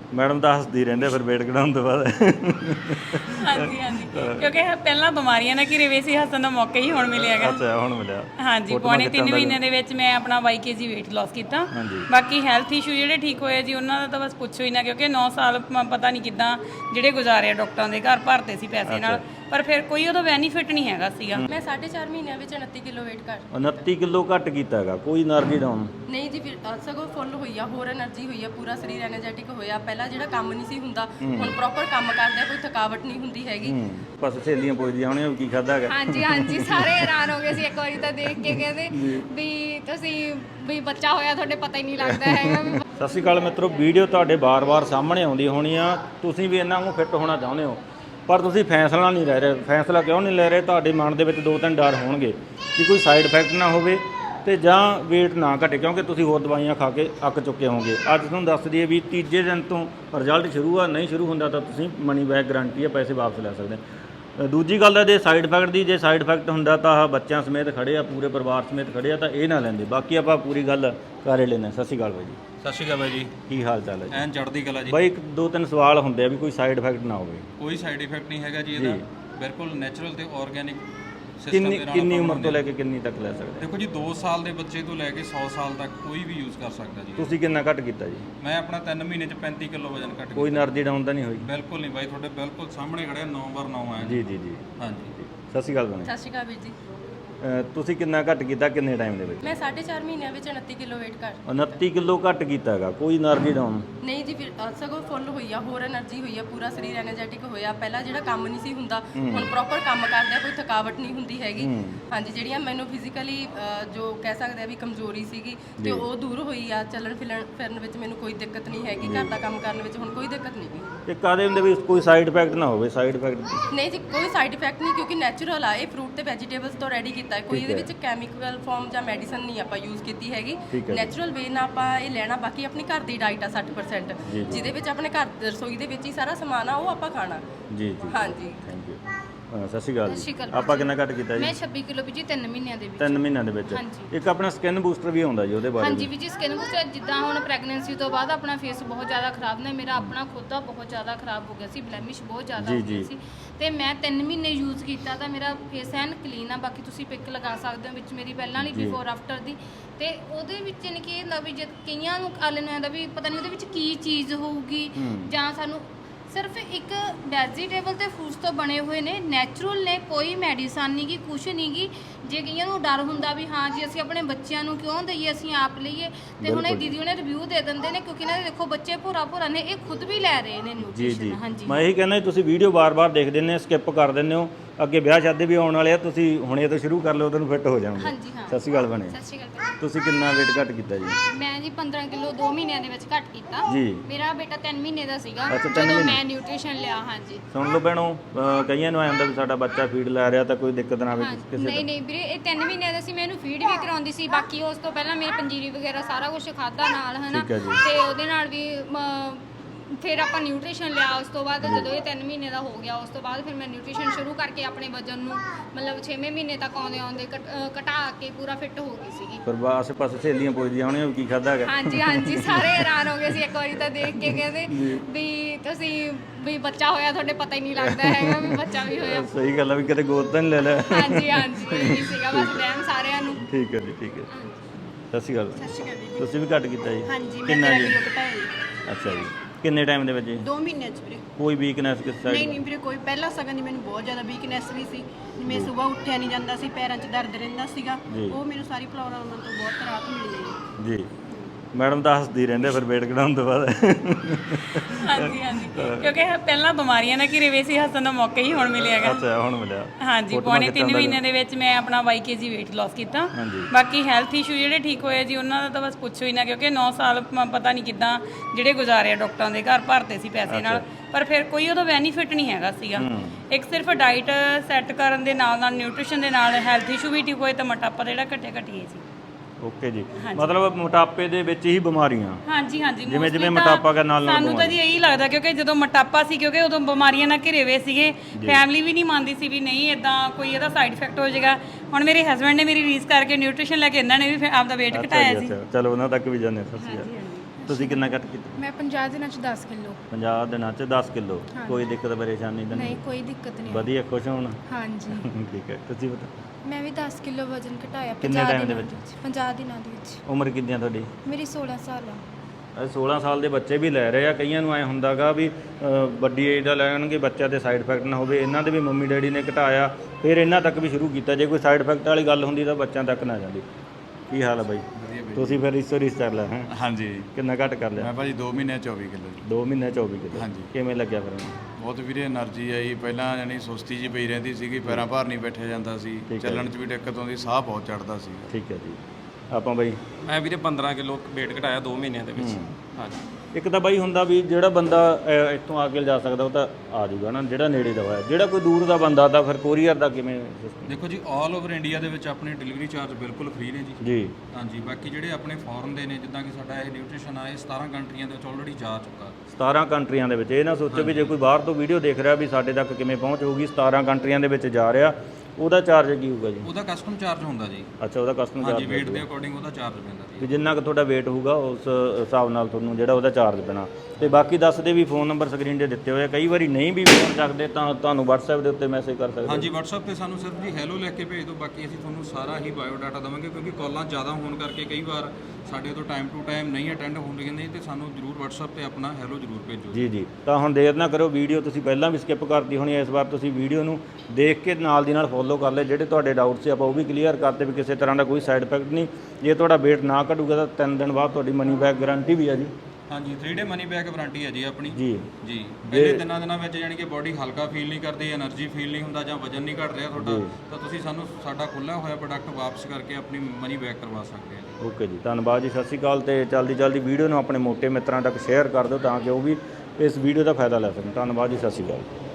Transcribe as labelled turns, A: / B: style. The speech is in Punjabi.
A: ਮੈਡਮ ਤਾਂ ਹੱਸਦੀ ਰਹਿੰਦੇ ਫਿਰ ਵੇਟ ਘਟਾਉਣ ਤੋਂ ਬਾਅਦ।
B: ਹਾਂਜੀ ਹਾਂਜੀ, ਕਿਉਂਕਿ ਪਹਿਲਾਂ ਬਿਮਾਰੀਆਂ ਨਾਲ ਘਿਰੇ ਹੋਏ ਸੀ, ਹੱਸਣ ਦਾ ਮੌਕਾ ਹੀ ਹੁਣ ਮਿਲਿਆਗਾ।
A: ਅੱਛਾ ਹੁਣ ਮਿਲਿਆ।
B: ਹਾਂਜੀ, ਪੌਣੇ 3 ਮਹੀਨੇ ਦੇ ਵਿੱਚ ਮੈਂ ਆਪਣਾ 22 kg weight loss ਕੀਤਾ। ਬਾਕੀ ਹੈਲਥ ਇਸ਼ੂ ਜਿਹੜੇ ਠੀਕ ਹੋਏ ਜੀ ਉਹਨਾਂ ਦਾ ਤਾਂ ਬਸ ਪੁੱਛੋ ਹੀ ਨਾ, ਕਿਉਂਕਿ 9 ਸਾਲ ਪਤਾ ਨਹੀਂ ਕਿੱਦਾਂ ਜਿਹੜੇ ਗੁਜ਼ਾਰੇ ਡਾਕਟਰਾਂ ਦੇ ਘਰ ਭਰਤੇ ਸੀ ਪੈਸੇ ਨਾਲ, ਪਰ ਫਿਰ ਕੋਈ ਉਹਦਾ ਬੈਨੀਫਿਟ ਨਹੀਂ ਹੈਗਾ ਸੀਗਾ।
C: ਮੈਂ 4.5 ਮਹੀਨਿਆਂ ਵਿੱਚ 29 ਕਿਲੋ weight ਘੱਟ।
A: 29 ਕਿਲੋ ਘੱਟ ਕੀਤਾ ਹੈਗਾ, ਕੋਈ એનર્ਜੀ ਡਾਊਨ
C: ਨਹੀਂ ਜੀ, ਸਗੋਂ ਫੁੱਲ ਹੋਈ ਆ, ਹੋਰ એનર્ਜੀ ਹੋਈ ਆ, ਪੂਰਾ ਸਰੀਰ ਐਨਰਜੈਟਿਕ ਹੋਇਆ। ਪਹਿਲਾਂ ਜਿਹੜਾ ਕੰਮ ਨਹੀਂ ਸੀ ਹੁੰਦਾ, ਹੁਣ ਪ੍ਰੋਪਰ ਕੰਮ ਕਰਦੇ ਆ, ਕੋਈ ਥਕਾਵਟ ਨਹੀਂ ਹੁੰਦੀ ਹੈਗੀ।
A: ਬਸ ਸਹੇਲੀਆਂ ਪੁੱਛਦੀਆਂ ਹੋਣੀਆਂ ਵੀ ਕੀ ਖਾਧਾ ਹੈਗਾ।
D: ਹਾਂਜੀ ਹਾਂਜੀ, ਸਾਰੇ ਹੈਰਾਨ ਹੋ ਗਏ ਸੀ ਇੱਕ ਵਾਰੀ ਤਾਂ ਦੇਖ ਕੇ, ਕਹਿੰਦੇ ਵੀ ਤੁਸੀਂ ਵੀ ਬੱਚਾ ਹੋਇਆ ਤੁਹਾਡੇ ਪਤਾ ਹੀ ਨਹੀਂ ਲੱਗਦਾ ਹੈਗਾ ਵੀ।
A: ਸਤਿ ਸ਼੍ਰੀ ਅਕਾਲ ਮਿੱਤਰੋ, ਵੀਡੀਓ ਤੁਹਾਡੇ ਬਾਰ-ਬਾਰ ਸਾਹਮਣੇ ਆਉਂਦੀ ਹੋਣੀ ਆ, ਤੁਸੀਂ ਵੀ ਇਹਨਾਂ ਨੂੰ ਫਿੱਟ ਹੋਣਾ ਚਾਹੁੰਦੇ ਹੋ, ਪਰ ਤੁਸੀਂ ਫੈਸਲਾ ਨਹੀਂ ਲੈ ਰਹੇ। ਫੈਸਲਾ ਕਿਉਂ ਨਹੀਂ ਲੈ ਰਹੇ? ਤੁਹਾਡੇ ਮਨ ਦੇ ਵਿੱਚ 2-3 ਡਰ ਹੋਣਗੇ ਕਿ ਕੋਈ ਸਾਈਡ ਇਫੈਕਟ ਨਾ ਹੋਵੇ ਤੇ ਜਾਂ weight ਨਾ ਘਟੇ, ਕਿਉਂਕਿ ਤੁਸੀਂ ਹੋਰ ਦਵਾਈਆਂ ਖਾ ਕੇ ਅੱਕ ਚੁੱਕੇ ਹੋਵੋਗੇ। ਅੱਜ ਤੁਹਾਨੂੰ ਦੱਸ ਦਈਏ ਵੀ ਤੀਜੇ ਦਿਨ ਤੋਂ ਰਿਜ਼ਲਟ ਸ਼ੁਰੂ ਆ, ਨਹੀਂ ਸ਼ੁਰੂ ਹੁੰਦਾ ਤਾਂ ਤੁਸੀਂ ਮਨੀ ਬੈਕ ਗਰੰਟੀ ਆ, ਪੈਸੇ ਵਾਪਸ ਲੈ ਸਕਦੇ। ਦੂਜੀ ਗੱਲ ਹੈ ਜੇ ਸਾਈਡ ਇਫੈਕਟ ਦੀ, ਜੇ ਸਾਈਡ ਇਫੈਕਟ ਹੁੰਦਾ ਤਾਂ ਆਹ ਬੱਚਿਆਂ ਸਮੇਤ ਖੜੇ ਆ, ਪੂਰੇ ਪਰਿਵਾਰ ਸਮੇਤ ਖੜੇ ਆ, ਤਾਂ ਇਹ ਨਾ ਲੈਂਦੇ। ਬਾਕੀ ਆਪਾਂ ਪੂਰੀ ਗੱਲ ਕਰ ਹੀ ਲੈਂਦੇ। ਸਤਿ ਸ਼੍ਰੀ ਅਕਾਲ ਬਾਈ ਜੀ।
E: ਸਤਿ ਸ਼੍ਰੀ ਅਕਾਲ ਬਾਈ ਜੀ।
A: ਕੀ ਹਾਲ ਚਾਲ ਹੈ ਜੀ?
E: ਐਨ ਚੜ੍ਹਦੀ ਕਲਾ ਜੀ।
A: ਬਾਈ 2-3 ਸਵਾਲ ਹੁੰਦੇ ਆ ਵੀ ਕੋਈ ਸਾਈਡ ਇਫੈਕਟ ਨਾ ਹੋਵੇ।
E: ਕੋਈ ਸਾਈਡ ਇਫੈਕਟ ਨਹੀਂ ਹੈਗਾ ਜੀ ਇਹਦਾ, ਬਿਲਕੁਲ ਨੈਚੁਰਲ ਤੇ ਆਰਗੈਨਿਕ ਸਿਸਟਮ ਦੇ ਨਾਲ।
A: ਕਿੰਨੀ ਉਮਰ ਤੋਂ ਲੈ ਕੇ ਕਿੰਨੀ ਤੱਕ ਲੈ ਸਕਦੇ?
E: ਦੇਖੋ ਜੀ, 2 ਸਾਲ ਦੇ ਬੱਚੇ ਤੋਂ ਲੈ ਕੇ 100 ਸਾਲ ਤੱਕ ਕੋਈ ਵੀ ਯੂਜ਼ ਕਰ ਸਕਦਾ ਜੀ।
A: ਤੁਸੀਂ ਕਿੰਨਾ ਘੱਟ ਕੀਤਾ ਜੀ?
E: ਮੈਂ ਆਪਣਾ 3 ਮਹੀਨੇ ਚ 35 ਕਿਲੋ ਵਜਨ ਘੱਟ
A: ਕੋਈ
E: ਕੀਤਾ।
A: એનર્ਜੀ ਡਾਊਨ ਤਾਂ ਨਹੀਂ ਹੋਈ?
E: ਬਿਲਕੁਲ ਨਹੀਂ ਬਾਈ, ਤੁਹਾਡੇ ਬਿਲਕੁਲ ਸਾਹਮਣੇ ਖੜਿਆ 9x9 ਆਇਆ
A: ਜੀ ਜੀ ਜੀ।
E: ਹਾਂਜੀ।
A: ਸਤਿ ਸ਼੍ਰੀ ਅਕਾਲ ਬਣੇ।
C: ਸਤਿ ਸ਼੍ਰੀ ਅਕਾਲ ਵੀਰ ਜੀ।
A: ਤੁਸੀਂ ਕਿੰਨਾ ਘੱਟ ਕੀਤਾ, ਕਿੰਨੇ ਟਾਈਮ ਦੇ ਵਿੱਚ?
C: ਮੈਂ 4.5 ਮਹੀਨਿਆਂ ਵਿੱਚ 29 ਕਿਲੋ weight ਘੱਟ।
A: 29 ਕਿਲੋ ਘੱਟ ਕੀਤਾ ਹੈਗਾ, ਕੋਈ એનર્ਜੀ ਡਾਊਨ?
C: ਨਹੀਂ ਜੀ, ਸਗੋਂ ਫੁੱਲ ਹੋਈ ਆ, ਹੋਰ એનર્ਜੀ ਹੋਈ ਆ, ਪੂਰਾ ਸਰੀਰ ਐਨਰਜੈਟਿਕ ਹੋਇਆ। ਪਹਿਲਾਂ ਜਿਹੜਾ ਕੰਮ ਨਹੀਂ ਸੀ ਹੁੰਦਾ, ਹੁਣ ਪ੍ਰੋਪਰ ਕੰਮ ਕਰਦੇ ਆ, ਕੋਈ ਥਕਾਵਟ ਨਹੀਂ ਹੁੰਦੀ ਹੈਗੀ। ਹਾਂਜੀ, ਜਿਹੜੀਆਂ ਮੈਨੂੰ ਫਿਜ਼ੀਕਲੀ ਜੋ ਕਹਿ ਸਕਦੇ ਆ ਵੀ ਕਮਜ਼ੋਰੀ ਸੀਗੀ, ਤੇ ਉਹ ਦੂਰ ਹੋਈ ਆ। ਚੱਲਣ ਫਿਰਨ ਵਿੱਚ ਮੈਨੂੰ ਕੋਈ ਦਿੱਕਤ ਨਹੀਂ ਹੈਗੀ, ਘਰ ਦਾ ਕੰਮ ਕਰਨ ਵਿੱਚ ਹੁਣ ਕੋਈ ਦਿੱਕਤ ਨਹੀਂ ਗੀ।
A: ਇਹ ਕਾਦੇ ਹੁੰਦੇ ਵੀ ਕੋਈ ਸਾਈਡ ਇਫੈਕਟ ਨਾ ਹੋਵੇ? ਸਾਈਡ ਇਫੈਕਟ
C: ਨਹੀਂ ਜੀ, ਕੋਈ ਸਾਈਡ ਇਫੈਕਟ ਨਹੀਂ, ਕਿਉਂਕਿ ਨੈਚੁਰਲ ਆ। ਇਹ ਫਰੂਟ ਤੇ ਵੈਜੀਟੇਬਲਸ ਤੋਂ ਰੈਡੀ ਕੀਤਾ ਹੈ, ਕੋਈ ਇਹਦੇ ਵਿੱਚ ਕੈਮੀਕਲ ਫਾਰਮ ਜਾਂ ਮੈਡੀਸਨ ਨਹੀਂ ਆਪਾਂ ਯੂਜ਼ ਕੀਤੀ ਹੈਗੀ। ਨੈਚੁਰਲ ਵੇ ਨਾਲ ਆਪਾਂ ਇਹ ਲੈਣਾ। ਬਾਕੀ ਆਪਣੀ ਘਰ ਦੀ ਡਾਈਟ ਆ 60%, ਜਿਹਦੇ ਵਿੱਚ ਆਪਣੇ ਘਰ ਰਸੋਈ ਦੇ ਵਿੱਚ ਹੀ ਸਾਰਾ ਸਮਾਨ ਆ, ਉਹ ਆਪਾਂ ਖਾਣਾ।
A: ਜੀ ਜੀ,
C: ਹਾਂਜੀ,
A: ਥੈਂਕ ਯੂ। ਸਤਿ ਸ਼੍ਰੀ ਅਕਾਲ
D: ਸਤਿ ਸ਼੍ਰੀ
A: ਜੀ।
D: ਅਕਾਲ
A: ਆਪਾਂ ਕਿੰਨਾ ਘੱਟ ਕੀਤਾ ਜੀ?
D: ਮੈਂ 26 ਕਿਲੋ ਵੀ ਜੀ 3 ਮਹੀਨਿਆਂ ਦੇ ਵਿੱਚ।
A: 3 ਮਹੀਨਿਆਂ ਦੇ ਵਿੱਚ।
D: ਹਾਂਜੀ।
A: ਇੱਕ ਆਪਣਾ ਸਕਿਨ ਬੂਸਟਰ ਵੀ ਆਉਂਦਾ ਜੀ, ਉਹਦੇ ਬਾਰੇ?
D: ਹਾਂਜੀ ਵੀ ਜੀ, ਸਕਿਨ ਬੂਸਟਰ ਜਿੱਦਾਂ ਹੁਣ ਪ੍ਰੈਗਨੈਂਸੀ ਤੋਂ ਬਾਅਦ ਆਪਣਾ ਫੇਸ ਬਹੁਤ ਜ਼ਿਆਦਾ ਖਰਾਬ ਨੇ, ਮੇਰਾ ਆਪਣਾ ਖੁਦ ਦਾ ਬਹੁਤ ਜ਼ਿਆਦਾ ਖਰਾਬ ਹੋ ਗਿਆ ਸੀ, ਬਲੈਮਿਸ਼ ਬਹੁਤ ਜ਼ਿਆਦਾ ਹੋ ਗਈ ਸੀ, ਤੇ ਮੈਂ 3 ਮਹੀਨੇ ਯੂਜ਼ ਕੀਤਾ ਤਾਂ ਮੇਰਾ ਫੇਸ ਐਨ ਕਲੀਨ ਆ। ਬਾਕੀ ਤੁਸੀਂ ਪਿਕ ਲਗਾ ਸਕਦੇ ਹੋ ਵਿੱਚ ਮੇਰੀ ਪਹਿਲਾਂ ਵਾਲੀ ਬਿਫੋਰ ਆਫਟਰ ਦੀ, ਤੇ ਉਹਦੇ ਵਿੱਚ ਯਾਨੀ ਕਿ ਇਹ ਹੁੰਦਾ ਵੀ ਜਦ ਕਈਆਂ ਨੂੰ ਆਲੇ ਨੂੰ ਆਉਂਦਾ ਵੀ ਪਤਾ ਨਹੀਂ ਉਹਦੇ ਵਿੱਚ ਕੀ ਚੀਜ਼ ਹੋਊਗੀ, ਜਾਂ ਸਾਨੂੰ ਸਿਰਫ ਇੱਕ ਵੈਜੀਟੇਬਲ ਤੇ ਫਰੂਟਸ ਤੋਂ ਬਣੇ ਹੋਏ ਨੇ, ਨੈਚੁਰਲ ਨੇ, ਕੋਈ ਮੈਡੀਸਨ ਨਹੀਂ ਗੀ, ਕੁਛ ਨਹੀਂ ਗੀ। ਜੇ ਕਈਆਂ ਨੂੰ ਡਰ ਹੁੰਦਾ ਵੀ ਹਾਂ ਜੀ ਅਸੀਂ ਆਪਣੇ ਬੱਚਿਆਂ ਨੂੰ ਕਿਉਂ ਦਈਏ, ਅਸੀਂ ਆਪ ਲਈਏ, ਤੇ ਹੁਣ ਇਹ ਦੀਦੀ ਉਹਨੇ ਰਿਵਿਊ ਦੇ ਦਿੰਦੇ ਨੇ, ਕਿਉਂਕਿ ਇਹਨਾਂ ਦੇ ਦੇਖੋ ਬੱਚੇ ਭੋਰਾ ਨੇ, ਇਹ ਖੁਦ ਵੀ ਲੈ ਰਹੇ ਨੇ ਨਿਊਟ੍ਰੀਸ਼ਨ। ਹਾਂਜੀ,
A: ਮੈਂ ਇਹੀ ਕਹਿੰਦਾ ਤੁਸੀਂ ਵੀਡੀਓ ਬਾਰ-ਬਾਰ ਦੇਖ ਦਿੰਦੇ ਹੋ, ਸਕਿਪ ਕਰ ਦਿੰਦੇ ਹੋ। ਅੱਗੇ ਵਿਆਹ ਸ਼ਾਦੀ ਵੀ ਆਉਣ ਵਾਲੇ ਆ, ਤੁਸੀਂ ਹੁਣੇ ਤੋਂ ਸ਼ੁਰੂ ਕਰ ਲਓ, ਤੁਹਾਨੂੰ ਫਿੱਟ ਹੋ ਜਾਓਗੇ।
D: ਹਾਂਜੀ ਹਾਂ।
A: ਸਤਿ ਸ਼੍ਰੀ ਅਕਾਲ ਬਣੇ।
D: ਸਤਿ ਸ਼੍ਰੀ ਅਕਾਲ।
A: ਤੁਸੀਂ ਕਿੰਨਾ weight ਘੱਟ ਕੀਤਾ ਜੀ?
D: ਮੈਂ ਜੀ 15 ਕਿਲੋ 2 ਮਹੀਨਿਆਂ ਦੇ ਵਿੱਚ ਘੱਟ ਕੀਤਾ
A: ਜੀ।
D: ਮੇਰਾ ਬੇਟਾ 3 ਮਹੀਨੇ ਦਾ ਸੀਗਾ
A: ਅੱਛਾ, 3
D: ਜਦੋਂ
A: ਮਹੀਨੇ।
D: ਮੈਂ ਨਿਊਟ੍ਰੀਸ਼ਨ ਲਿਆ। ਹਾਂਜੀ,
A: ਸੁਣ ਲਓ ਭੈਣੋ, ਕਈਆਂ ਨੂੰ ਐਂ ਹੁੰਦਾ ਵੀ ਸਾਡਾ ਬੱਚਾ ਫੀਡ ਲੈ ਰਿਹਾ ਤਾਂ ਕੋਈ ਦਿੱਕਤ ਨਾ ਆਵੇ ਕਿਸੇ
D: ਨਹੀਂ ਨਹੀਂ ਵੀਰੇ, ਇਹ 3 ਮਹੀਨਿਆਂ ਦਾ ਸੀ, ਮੈਂ ਇਹਨੂੰ ਫੀਡ ਵੀ ਕਰਾਉਂਦੀ ਸੀ। ਬਾਕੀ ਉਸ ਤੋਂ ਪਹਿਲਾਂ ਮੇਰੇ ਪੰਜੀਰੀ ਵਗੈਰਾ ਸਾਰਾ ਕੁਝ ਖਾਦਾ ਨਾਲ, ਹਨਾ,
A: ਠੀਕ ਹੈ ਜੀ।
D: ਤੇ ਉਹਦੇ ਨਾਲ ਵੀ ਫਿਰ ਆਪਾਂ ਨਿਊਟ੍ਰੀਸ਼ਨ ਲਿਆ। ਉਸ ਤੋਂ ਬਾਅਦ ਜਦੋਂ ਇਹ 3 ਮਹੀਨੇ ਦਾ ਹੋ ਗਿਆ, ਉਸ ਤੋਂ ਬਾਅਦ ਫਿਰ ਮੈਂ ਨਿਊਟ੍ਰੀਸ਼ਨ ਸ਼ੁਰੂ ਕਰਕੇ ਆਪਣੇ ਵਜਨ ਨੂੰ ਮਤਲਬ 6ਵੇਂ ਮਹੀਨੇ ਤੱਕ ਆਉਂਦੇ ਘਟਾ ਕੇ ਪੂਰਾ ਫਿੱਟ ਹੋ ਗਈ ਸੀਗੀ।
A: ਪਰ ਆਸੇ-ਪਾਸੇ ਸਹੇਲੀਆਂ ਪੁੱਛਦੀਆਂ ਹੋਣੀਆਂ ਵੀ ਕੀ ਖਾਧਾ ਹੈਗਾ।
D: ਹਾਂਜੀ ਹਾਂਜੀ, ਸਾਰੇ ਹੈਰਾਨ ਹੋ ਗਏ ਸੀ ਇੱਕ ਵਾਰੀ ਤਾਂ ਦੇਖ ਕੇ, ਕਹਿੰਦੇ ਵੀ ਤੁਸੀਂ ਵੀ ਬੱਚਾ ਹੋਇਆ ਤੁਹਾਡੇ ਪਤਾ ਹੀ ਨਹੀਂ ਲੱਗਦਾ ਹੈਗਾ ਵੀ ਬੱਚਾ ਵੀ ਹੋਇਆ।
A: ਸਹੀ ਗੱਲ ਆ, ਵੀ ਕਿਤੇ ਗੋਦ ਤਾਂ ਨਹੀਂ ਲੈ ਲਿਆ?
D: ਹਾਂਜੀ ਹਾਂਜੀ, ਇਹੀ ਸੀਗਾ ਬਸ ਵਹਿਮ ਸਾਰਿਆਂ ਨੂੰ।
A: ਠੀਕ ਹੈ ਜੀ, ਠੀਕ ਹੈ। ਸਤਿ ਸ਼੍ਰੀ ਅਕਾਲ।
F: ਸਤਿ ਸ਼੍ਰੀ ਅਕਾਲ ਜੀ।
A: ਤੁਸੀਂ ਵੀ ਘੱਟ ਕੀਤਾ ਜੀ?
F: ਹਾਂਜੀ, ਮੈਂ
A: ਕਿੰਨਾ
F: 13
A: ਜੀ?
F: ਕਿਲੋ ਘਟਾਇਆ ਜੀ।
A: ਅੱਛਾ ਜੀ। ਕਿੰਨੇ ਟਾਈਮ ਦੇ ਵਿੱਚ ਜੀ?
F: 2 ਮਹੀਨਿਆਂ ਚ ਵੀਰੇ।
A: ਕੋਈ ਵੀਕਨੈਸ ਕਿਸ ਸਾਈਡ?
F: ਨਹੀਂ ਵੀਰੇ, ਕੋਈ ਪਹਿਲਾਂ ਸਗਨ ਦੀ ਮੈਨੂੰ ਬਹੁਤ ਜ਼ਿਆਦਾ ਵੀਕਨੈਸ ਵੀ ਸੀ, ਮੈਂ ਸਵੇਰ ਉੱਠਿਆ ਨਹੀਂ ਜਾਂਦਾ ਸੀ, ਪੈਰਾਂ 'ਚ ਦਰਦ ਰਹਿੰਦਾ ਸੀਗਾ, ਉਹ ਮੈਨੂੰ ਸਾਰੀ ਪ੍ਰੋਬਲਮਾਂ ਤੋਂ ਬਹੁਤ ਰਾਹਤ ਮਿਲ ਗਈ ਜੀ।
A: ਮੈਡਮ ਤਾਂ ਹੱਸਦੀ ਰਹਿੰਦੇ ਫਿਰ weight ਘਟਾਉਣ ਤੋਂ ਬਾਅਦ।
B: ਹਾਂਜੀ ਹਾਂਜੀ, ਕਿਉਂਕਿ ਪਹਿਲਾਂ ਬਿਮਾਰੀਆਂ ਨਾਲ ਘਿਰੇ ਹੋਏ ਸੀ, ਹੱਸਣ ਦਾ ਮੌਕਾ ਹੀ ਹੁਣ ਮਿਲਿਆਗਾ।
A: ਅੱਛਾ ਹੁਣ ਮਿਲਿਆ।
B: ਹਾਂਜੀ, ਪੌਣੇ 3 ਮਹੀਨੇ ਦੇ ਵਿੱਚ ਮੈਂ ਆਪਣਾ 22 kg weight loss ਕੀਤਾ। ਬਾਕੀ ਹੈਲਥ ਇਸ਼ੂ ਜਿਹੜੇ ਠੀਕ ਹੋਏ ਜੀ ਉਹਨਾਂ ਦਾ ਤਾਂ ਬਸ ਪੁੱਛੋ ਹੀ ਨਾ, ਕਿਉਂਕਿ 9 ਸਾਲ ਪਤਾ ਨਹੀਂ ਕਿੱਦਾਂ ਜਿਹੜੇ ਗੁਜ਼ਾਰੇ ਡਾਕਟਰਾਂ ਦੇ ਘਰ ਭਰਤੇ ਸੀ ਪੈਸੇ ਨਾਲ, ਪਰ ਫਿਰ ਕੋਈ ਉਹਦਾ ਬੈਨੀਫਿਟ ਨਹੀਂ ਹੈਗਾ ਸੀਗਾ। ਇੱਕ ਸਿਰਫ ਡਾਈਟ ਸੈੱਟ ਕਰਨ ਦੇ ਨਾਲ ਨਾਲ ਨਿਊਟ੍ਰੀਸ਼ਨ ਦੇ ਨਾਲ ਹੈਲਥ ਇਸ਼ੂ ਵੀ ਠੀਕ ਹੋਏ ਤਾਂ ਮੋਟਾਪਾ ਜਿਹੜਾ ਘਟੀਏ ਸੀ।
A: ਓਕੇ ਜੀ, ਮਤਲਬ ਮੋਟਾਪੇ ਦੇ ਵਿੱਚ ਹੀ ਬਿਮਾਰੀਆਂ?
B: ਹਾਂਜੀ ਹਾਂਜੀ,
A: ਜਿਵੇਂ ਜਿਵੇਂ ਮੋਟਾਪਾ ਦਾ ਨਾਲ
B: ਸਾਨੂੰ ਤਾਂ ਜੀ ਇਹੀ ਲੱਗਦਾ, ਕਿਉਂਕਿ ਜਦੋਂ ਮੋਟਾਪਾ ਸੀ, ਕਿਉਂਕਿ ਉਦੋਂ ਬਿਮਾਰੀਆਂ ਨਾਲ ਘਿਰੇ ਹੋਏ ਸੀਗੇ, ਫੈਮਿਲੀ ਵੀ ਨਹੀਂ ਮੰਨਦੀ ਸੀ ਵੀ ਨਹੀਂ ਇਦਾਂ ਕੋਈ ਇਹਦਾ ਸਾਈਡ ਇਫੈਕਟ ਹੋ ਜਾਏਗਾ। ਹੁਣ ਮੇਰੇ ਹਸਬੰਡ ਨੇ ਮੇਰੀ ਰੀਸ ਕਰਕੇ ਨਿਊਟ੍ਰੀਸ਼ਨ ਲੈ ਕੇ ਇਹਨਾਂ ਨੇ ਵੀ ਆਪਦਾ weight ਘਟਾਇਆ ਸੀ।
A: ਚਲੋ ਉਹਨਾਂ ਤੱਕ ਵੀ ਜਾਂਦੇ। ਸਤਿ ਸ਼੍ਰੀ ਅਕਾਲ। ਤੁਸੀਂ ਕਿੰਨਾ ਕੱਟ ਕੀਤਾ?
G: ਮੈਂ 50 ਦਿਨਾਂ ਚ 10 ਕਿਲੋ
A: 50 ਦਿਨਾਂ 'ਚ 10 ਕਿਲੋ। ਕੋਈ ਦਿੱਕਤ ਪਰੇਸ਼ਾਨੀ ਤਾਂ
G: ਨਹੀਂ, ਕੋਈ ਦਿੱਕਤ ਨਹੀਂ
A: ਵਧੀਆ ਖੁਸ਼ ਹੋਣਾ।
G: ਹਾਂਜੀ
A: ਠੀਕ ਹੈ, ਤੁਸੀਂ ਬਤਾ
G: ਮੈਂ ਵੀ 10 ਕਿਲੋ ਵਜ਼ਨ ਘਟਾਇਆ
A: ਕਿੰਨੇ
G: 50
A: time ਦੇ
G: ਦਿਨਾਂ
A: ਵਿੱਚ?
G: 50 ਦਿਨਾਂ ਦੇ ਵਿੱਚ।
A: ਉਮਰ ਕਿੰਨੀ ਆ ਤੁਹਾਡੀ?
G: ਮੇਰੀ 16 ਸਾਲ ਆ।
A: 16 ਸਾਲ ਦੇ ਬੱਚੇ ਵੀ ਲੈ ਰਹੇ ਆ। ਕਈਆਂ ਨੂੰ ਐ ਹੁੰਦਾਗਾ ਵੀ ਵੱਡੀ ਏਜ ਦਾ ਲੈਣਗੇ, ਬੱਚਾ ਤੇ ਸਾਈਡ ਇਫੈਕਟ ਨਾ ਹੋਵੇ। ਇਹਨਾਂ ਦੇ ਵੀ ਮੰਮੀ ਡੈਡੀ ਨੇ ਘਟਾਇਆ, ਫਿਰ ਇਹਨਾਂ ਤੱਕ ਵੀ ਸ਼ੁਰੂ ਕੀਤਾ। ਜੇ ਕੋਈ ਸਾਈਡ ਇਫੈਕਟ ਵਾਲੀ ਗੱਲ ਹੁੰਦੀ ਤਾਂ ਬੱਚਿਆਂ ਤੱਕ ਨਾ ਜਾਂਦੀ। ਕੀ ਹਾਲ ਹੈ ਬਾਈ? ਤੁਸੀਂ ਫਿਰ ਰਿਸੋ ਕਰ ਲਿਆ ਹੈ?
H: ਹਾਂਜੀ
A: ਕਿੰਨਾ ਘੱਟ ਕਰ ਲਿਆ?
H: ਮੈਂ ਭਾਜੀ 2 ਮਹੀਨੇ 24 ਕਿਲੋ ਜੀ।
A: 2 ਮਹੀਨੇ 24 ਕਿਲੋ।
H: ਹਾਂਜੀ।
A: ਕਿਵੇਂ ਲੱਗਿਆ ਫਿਰ?
H: ਬਹੁਤ ਵੀਰੇ એનર્ਜੀ ਆਈ। ਪਹਿਲਾਂ ਯਾਨੀ ਸੁਸਤੀ ਜੀ ਪਈ ਰਹਿੰਦੀ ਸੀਗੀ, ਪੈਰਾਂ ਭਾਰ ਨਹੀਂ ਬੈਠਿਆ ਜਾਂਦਾ ਸੀ,
A: ਠੀਕ ਹੈ।
H: ਚੱਲਣ 'ਚ ਵੀ ਦਿੱਕਤ ਆਉਂਦੀ, ਸਾਹ ਬਹੁਤ ਚੜਦਾ ਸੀ।
A: ਠੀਕ ਹੈ ਜੀ। ਆਪਾਂ ਬਾਈ
E: ਮੈਂ ਵੀਰੇ 15 ਕਿਲੋ weight ਘਟਾਇਆ 2 ਮਹੀਨਿਆਂ ਦੇ ਵਿੱਚ। ਹਾਂਜੀ।
A: ਇੱਕ ਤਾਂ ਬਾਈ ਹੁੰਦਾ ਵੀ ਜਿਹੜਾ ਬੰਦਾ ਇੱਥੋਂ ਆ ਕੇ ਲਿਜਾ ਸਕਦਾ ਉਹ ਤਾਂ ਆ ਜਾਊਗਾ ਨਾ, ਜਿਹੜਾ ਨੇੜੇ ਦਾ ਹੋਇਆ। ਜਿਹੜਾ ਕੋਈ ਦੂਰ ਦਾ ਬੰਦਾ ਤਾਂ ਫਿਰ ਕੋਰੀਅਰ ਦਾ ਕਿਵੇਂ system?
E: ਦੇਖੋ ਜੀ, ਆਲ ਓਵਰ ਇੰਡੀਆ ਦੇ ਵਿੱਚ ਆਪਣੇ ਡਿਲੀਵਰੀ ਚਾਰਜ ਬਿਲਕੁਲ ਫ੍ਰੀ ਨੇ ਜੀ।
A: ਜੀ
E: ਹਾਂਜੀ। ਬਾਕੀ ਜਿਹੜੇ ਆਪਣੇ ਫੋਰਨ ਦੇ ਨੇ, ਜਿੱਦਾਂ ਕਿ ਸਾਡਾ ਇਹ ਨਿਊਟ੍ਰੀਸ਼ਨ ਆ, ਇਹ 17 ਕੰਟਰੀਆਂ ਦੇ ਵਿੱਚ ਆਲਰੇਡੀ ਜਾ ਚੁੱਕਾ।
A: 17 ਕੰਟਰੀਆਂ ਦੇ ਵਿੱਚ। ਇਹ ਨਾ ਸੋਚੋ ਵੀ ਜੇ ਕੋਈ ਬਾਹਰ ਤੋਂ ਵੀਡੀਓ ਦੇਖ ਰਿਹਾ ਵੀ ਸਾਡੇ ਤੱਕ ਕਿਵੇਂ ਪਹੁੰਚ ਹੋਊਗੀ। 17 ਕੰਟਰੀਆਂ ਦੇ ਵਿੱਚ ਜਾ ਰਿਹਾ, ਉਹਦਾ ਚਾਰਜ ਕੀ ਹੋਊਗਾ ਜੀ?
E: ਉਹਦਾ ਕਸਟਮ ਚਾਰਜ ਹੁੰਦਾ ਜੀ।
A: ਅੱਛਾ, ਉਹਦਾ ਕਸਟਮ
E: ਹਾਂਜੀ,
A: ਚਾਰਜ
E: weight ਦੇ ਅਕੋਰਡਿੰਗ ਉਹਦਾ ਚਾਰਜ ਪੈਂਦਾ ਜੀ।
A: ਵੀ ਜਿੰਨਾ ਕੁ ਤੁਹਾਡਾ weight ਹੋਊਗਾ ਉਸ ਹਿਸਾਬ ਨਾਲ ਤੁਹਾਨੂੰ ਜਿਹੜਾ ਉਹਦਾ ਚਾਰਜ ਪੈਣਾ। ਤੇ ਬਾਕੀ ਦੱਸਦੇ ਵੀ ਫੋਨ ਨੰਬਰ ਸਕਰੀਨ ਤੇ ਦਿੱਤੇ ਹੋਏ ਆ। ਕਈ ਵਾਰੀ ਨਹੀਂ ਵੀ ਫੋਨ ਚੱਕਦੇ ਤਾਂ ਤੁਹਾਨੂੰ WhatsApp ਦੇ ਉੱਤੇ ਮੈਸੇਜ ਕਰ ਸਕਦੇ।
E: ਹਾਂਜੀ, WhatsApp ਤੇ ਸਾਨੂੰ ਸਿਰਫ ਜੀ ਹੈਲੋ ਲਿਖ ਕੇ ਭੇਜ ਦਿਓ। ਬਾਕੀ ਅਸੀਂ ਤੁਹਾਨੂੰ ਸਾਰਾ ਹੀ ਬਾਇਓ ਡਾਟਾ ਦੇਵਾਂਗੇ, ਕਿਉਂਕਿ ਕਾਲਾਂ ਜ਼ਿਆਦਾ ਹੋਣ ਕਰਕੇ ਕਈ ਵਾਰ ਸਾਡੇ ਤੋਂ ਟਾਈਮ ਟੂ ਟਾਈਮ ਨਹੀਂ ਅਟੈਂਡ ਹੁੰਦੀਆਂ ਨੇ, ਤੇ ਸਾਨੂੰ ਜ਼ਰੂਰ WhatsApp ਤੇ ਆਪਣਾ ਹੈਲੋ ਜ਼ਰੂਰ ਭੇਜੋ।
A: ਜੀ ਜੀ। ਤਾਂ ਹੁਣ ਦੇਰ ਨਾ ਕਰੋ, ਵੀਡੀਓ ਤੁਸੀਂ ਪਹਿਲਾਂ ਵੀ ਸਕਿਪ ਕਰਤੀ ਹੋਣੀ। ਇਸ ਵਾਰ ਤੁਸੀਂ ਵੀਡੀਓ ਨੂੰ ਦੇਖ ਕੇ ਨਾਲ ਦੀ ਨਾਲ ਫੋਲੋ ਕਰ ਲੈ। ਜਿਹੜੇ ਤੁਹਾਡੇ ਡਾਊਟ ਸੀ ਆਪਾਂ ਉਹ ਵੀ ਕਲੀਅਰ ਕਰਤੇ ਵੀ ਕਿਸੇ ਤਰ੍ਹਾਂ ਦਾ ਕੋਈ ਸਾਈਡ ਇਫੈਕਟ ਨਹੀਂ। ਜੇ ਤੁਹਾਡਾ weight ਨਾ ਘਟੂਗਾ ਤਾਂ 3 ਦਿਨ ਬਾਅਦ ਤੁਹਾਡੀ ਮਨੀ ਬੈਕ ਗਾਰੰਟੀ ਵੀ ਹੈ ਜੀ।
E: ਹਾਂਜੀ, 3 ਡੇ ਮਨੀ ਬੈਕ ਵਾਰੰਟੀ ਹੈ ਜੀ ਆਪਣੀ।
A: ਜੀ
E: ਜੀ। ਪਹਿਲੇ ਦਿਨਾਂ ਵਿੱਚ ਯਾਨੀ ਕਿ ਬੋਡੀ ਹਲਕਾ ਫੀਲ ਨਹੀਂ ਕਰਦੀ, એનર્ਜੀ ਫੀਲ ਨਹੀਂ ਹੁੰਦਾ, ਜਾਂ ਵਜਨ ਨਹੀਂ ਘਟ ਰਿਹਾ ਤੁਹਾਡਾ, ਤਾਂ ਤੁਸੀਂ ਸਾਨੂੰ ਸਾਡਾ ਖੁੱਲ੍ਹਾ ਹੋਇਆ ਪ੍ਰੋਡਕਟ ਵਾਪਸ ਕਰਕੇ ਆਪਣੀ ਮਨੀ ਬੈਕ ਕਰਵਾ ਸਕਦੇ ਹੋ।
A: ਓਕੇ ਜੀ, ਧੰਨਵਾਦ ਜੀ। ਸਤਿ ਸ਼੍ਰੀ ਅਕਾਲ। ਤੇ ਜਲਦੀ ਵੀਡੀਓ ਨੂੰ ਆਪਣੇ ਮੋਟੇ ਮਿੱਤਰਾਂ ਤੱਕ ਸ਼ੇਅਰ ਕਰ ਦਿਓ ਤਾਂ ਕਿ ਉਹ ਵੀ ਇਸ ਵੀਡੀਓ ਦਾ ਫਾਇਦਾ ਲੈ ਸਕਣ। ਧੰਨਵਾਦ ਜੀ। ਸਤਿ ਸ਼੍ਰੀ ਅਕਾਲ।